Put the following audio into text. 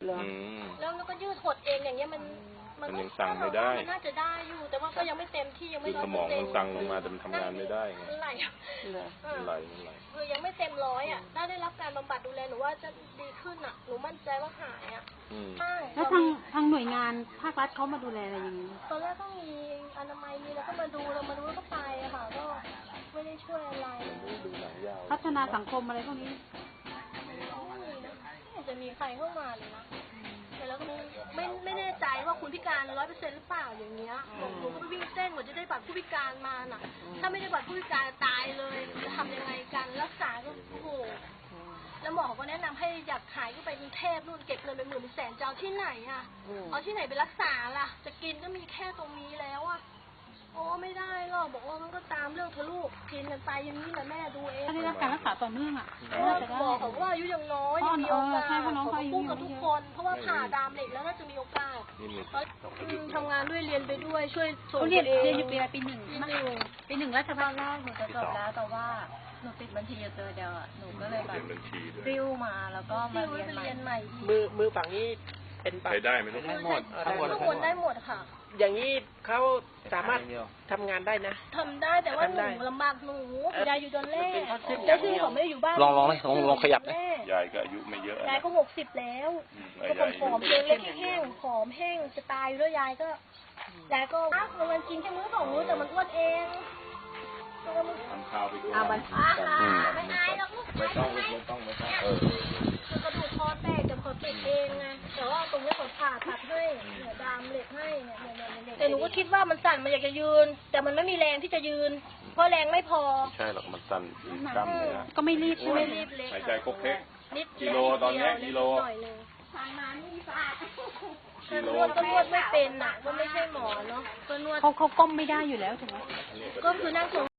แล้วก็ยืดหดเองอย่างเงี้ยมันยังสั่งไม่ได้มันน่าจะได้อยู่แต่ว่าก็ยังไม่เต็มที่ยังไม่สมองมันสั่งลงมาแต่มันทำงานไม่ได้ไงไหลคือยังไม่เต็มร้อยอ่ะถ้าได้รับการบำบัดดูแลหนูว่าจะดีขึ้นอ่ะหนูมั่นใจว่าหายอ่ะแล้วทางหน่วยงานภาครัฐเขามาดูแลอะไรอย่างนี้ตอนแรกก็มีอนามัยมีแล้วก็มาดูแล้วก็ไปอะค่ะก็ไม่ได้ช่วยอะไรพัฒนาสังคมอะไรพวกนี้ไม่จะมีใครเข้ามาเลยนะแต่แล้วก็ไม่แน่ใจว่าคุณพิการ 100% หรือเปล่าอย่างเงี้ยหนูก็ไปวิ่งเต้นหมดจะได้บัตรผู้พิการมาน่ะถ้าไม่ได้บัตรผู้พิการตายเลยจะทำยังไงกันรักษาก็โอ้โหแล้วหมอก็แนะนำให้อยากหายก็ไปกรุงเทพนู่นเก็บเงินไป10,000 100,000จะเอาที่ไหนอ่ะเอาที่ไหนไปรักษาล่ะจะกินก็มีแค่ตรงนี้แล้วอ่ะโอ้ไม่ได้หรอกบอกว่ามันก็ตามเรื่องเธอลูกกินกันไปอย่างนี้แหละแม่ดูเองถ้าได้รับการรักษาต่อเนื่องอ่ะบอกเขาว่าอายุยังน้อยยังมีโอกาสเขาพูดกับทุกคนเพราะว่าผ่าดามเหล็กแล้วน่าจะมีโอกาสทำงานด้วยเรียนไปด้วยช่วยส่งเรียนอยู่ปี 1ปี 1รัฐบาลแรกหนูจะจบแล้วแต่ว่าหนูติดบัญชีอยู่ตัวเดียวอ่ะหนูก็เลยแบบริ้วมาแล้วก็มาเรียนใหม่มือฝั่งนี้เป็นใช้ได้ไหมได้หมดทุกคนได้หมดค่ะอย่างนี้เขาสามารถทำงานได้นะทำได้แต่ว่าหนูลำบากหนูยายอยู่ตอนแรกยายคือผมไม่ได้อยู่บ้านลองขยับนะยายก็อายุไม่เยอะยายก็60แล้วก็ผอมเล็กแห้งผอมแห้งจะตายอยู่แล้วยายก็มันกินแค่มื้อ2 มื้อแต่มันอ้วนเองทำข้าวไปด้วยไม่อายหรอกลูกไม่ต้องกระดูกคอแตกจะเขาติดเองไงแต่ว่าตรงนี้เขาผ่าตัดให้เนี่ยดามเหล็กให้เนี่ยแต่หนูก็คิดว่ามันสั่นมันอยากจะยืนแต่มันไม่มีแรงที่จะยืนเพราะแรงไม่พอใช่หรอกมันสั่นกล้ามเนื้อก็ไม่รีบใช่ไหมหายใจครบเพ็กกิโลตอนนี้กิโลทางน้ำนี่สะอาดนวดก็นวดไม่เป็นอ่ะก็ไม่ใช่หมอเนาะก็นวดเขาก้มไม่ได้อยู่แล้วถูกไหมก็คือนั่ง